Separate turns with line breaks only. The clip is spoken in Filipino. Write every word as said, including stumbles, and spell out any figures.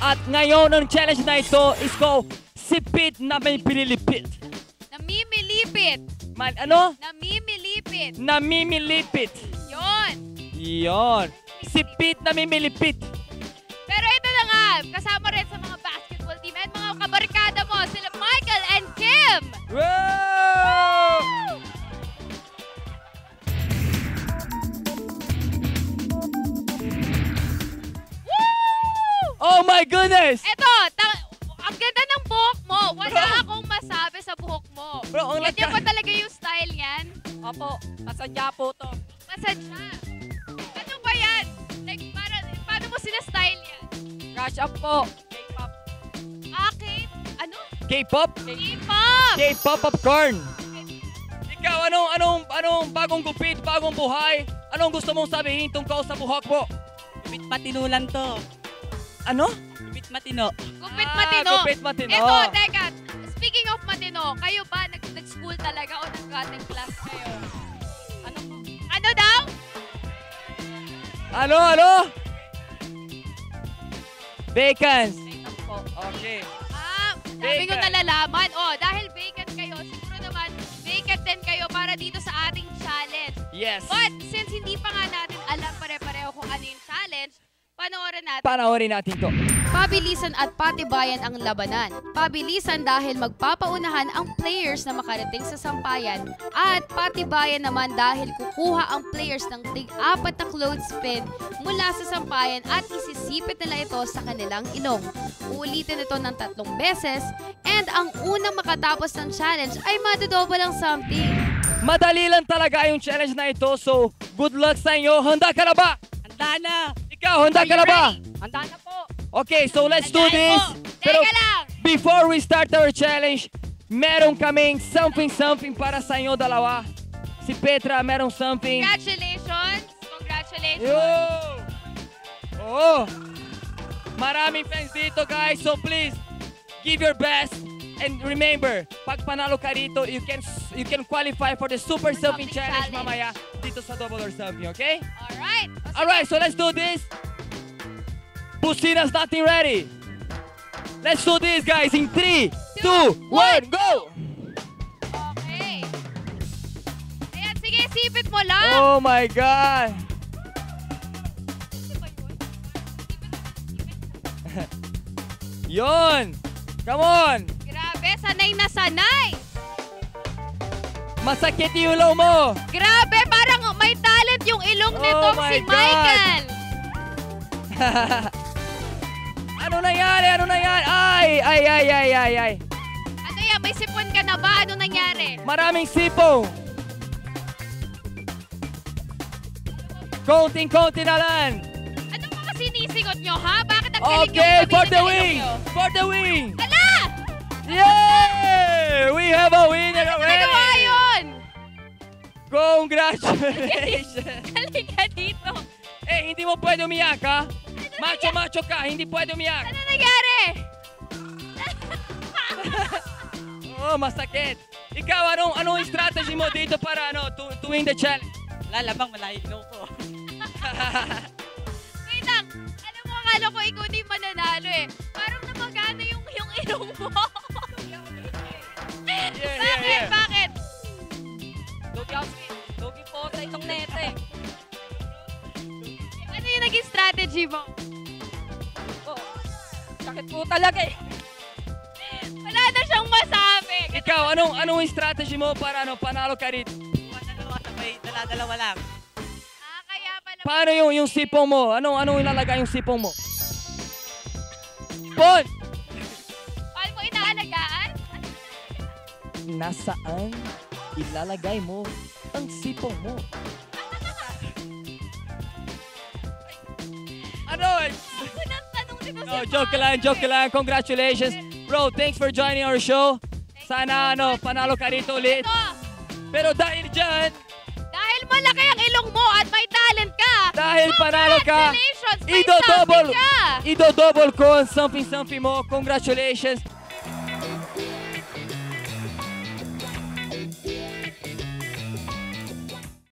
At ngayon, ang challenge na ito is called Sipit na may pililipit.
Namimilipit.
Man, ano?
Namimilipit.
Namimilipit.
Yon.
Yon. Sipit na mimilipit.
Pero ito na nga, kasama rin sa mga basketball team at mga kabarkada mo, sila Michael and Kim.
Wow!
Woo!
Oh my goodness!
Ito, ang ganda ng buhok mo. Wala akong masabi sa buhok mo.
Bro, ang
Ganyan
lagka-
ba talaga yung style niyan?
Opo, masadya po to.
Masadya. Ano ba yan? Like, para, paano mo sina-style yan?
Crush up po. K-pop.
Akin? Ano?
K-pop?
K-pop!
K-pop popcorn. Ikaw, anong, anong, anong bagong gupit, bagong buhay? Anong gusto mong sabihin tungkol sa buhok mo?
Gupit matino lang to.
Ano?
Gupit matino.
Gupit
Ah,
matino.
gupit matino.
Ito, teka. Speaking of matino, kayo ba nag- nag-school talaga o nag-cutting class kayo? Ano po? Ano daw?
Ano, ano? Vacants.
K-pop po.
Okay.
Ah, sabi ko
Vacant.
nalalaman. Oh, dahil vacant kayo, siguro naman vacant din kayo para dito sa ating challenge.
Yes.
But since hindi pa nga natin alam pare-pareho kung ano yung challenge, panoorin natin.
Panoorin natin to.
Pabilisan at patibayan ang labanan. Pabilisan dahil magpapaunahan ang players na makarating sa sampayan at patibayan naman dahil kukuha ang players ng tig-apat na clothespin mula sa sampayan at isisipit nila ito sa kanilang ilong. Uulitin ito ng tatlong beses and ang unang makatapos ng challenge ay madodouble ang something.
Madali lang talaga yung challenge na ito, so good luck sa inyo. Handa ka na ba?
Handa na.
Ikaw, handa ka na ba?
Handa na po.
Okay, so let's do this.
Teka lang!
Before we start our challenge, meron kaming something-something para sa inyo dalawa. Si Petra, meron something.
Congratulations! Congratulations!
Yo! Oh! Maraming fans dito, guys. So please, give your best. And remember, pag panalo ka rito, you can you can qualify for the Super Something
Something
Challenge
Challenge.
mamaya dito sa Double or Something, okay?
Alright!
Alright, so let's do this. Busina's nothing ready. Let's do this, guys, in three, two, one, go!
Okay. Ayan, sige, sipit mo lang.
Oh my God! Yon! Come on!
Grabe, sanay na sanay.
Masakit yung ulo mo!
Grabe, parang may talent yung ilong
Oh
nitong
my
si
God.
Michael.
Ano nangyari? Ano nangyari? Ay! Ay, ay, ay, ay, ay!
Ano yan, may sipon ka na ba? Ano nangyari?
Maraming sipong! Konting-konti na lang!
Ano mga sinisigot nyo, ha? Bakit ang galing
Okay,
yung
for
gamitin
the
ng ilong
win!
nyo?
For the win!
Ala!
Yay! We have a winner
Ano nagawa
already!
yun?
Congratulations!
Galing ka dito.
Eh, hindi mo pwede umiyak, ha? Macho-macho ka, hindi pwede umiyak.
Ano nangyari?
Oo, oh, masakit. Ikaw, anong, anong strategy mo dito para ano, to, to win the challenge?
Wala lamang, malayo ko.
Wait lang. Alam mo, akala ko ikaw na yung mananalo eh. Parang namagana yung, yung ilong mo.
Yeah, yeah,
Bakit?
yeah.
Bakit?
Lugi ako. Lugi po sa itong nete.
Ano yung naging strategy mo?
Oh, sakit po talaga eh.
Wala na siyang masabi.
Ikaw, anong, anong strategy mo para ano, panalo ka rito?
Dalawa sabay, dala-dalawa lang.
Ah, kaya pala.
Paano yung, yung sipong mo? Anong, anong ilalagay yung sipong mo? Bon!
Paano mo inaalagaan?
Nasaan ilalagay mo ang sipong mo? Ano?
Unang tanong nito
No,
si
joke lang,
Michael.
joke lang. Congratulations. Bro, thanks for joining our show. Sana ano, panalo ka rito ulit.
Ito,
Pero dahil dyan,
dahil malaki ang ilong mo at may talent ka,
dahil panalo ka,
congratulations, may
ido-double,
something ka.
ido-double ko ang something-something mo. Congratulations.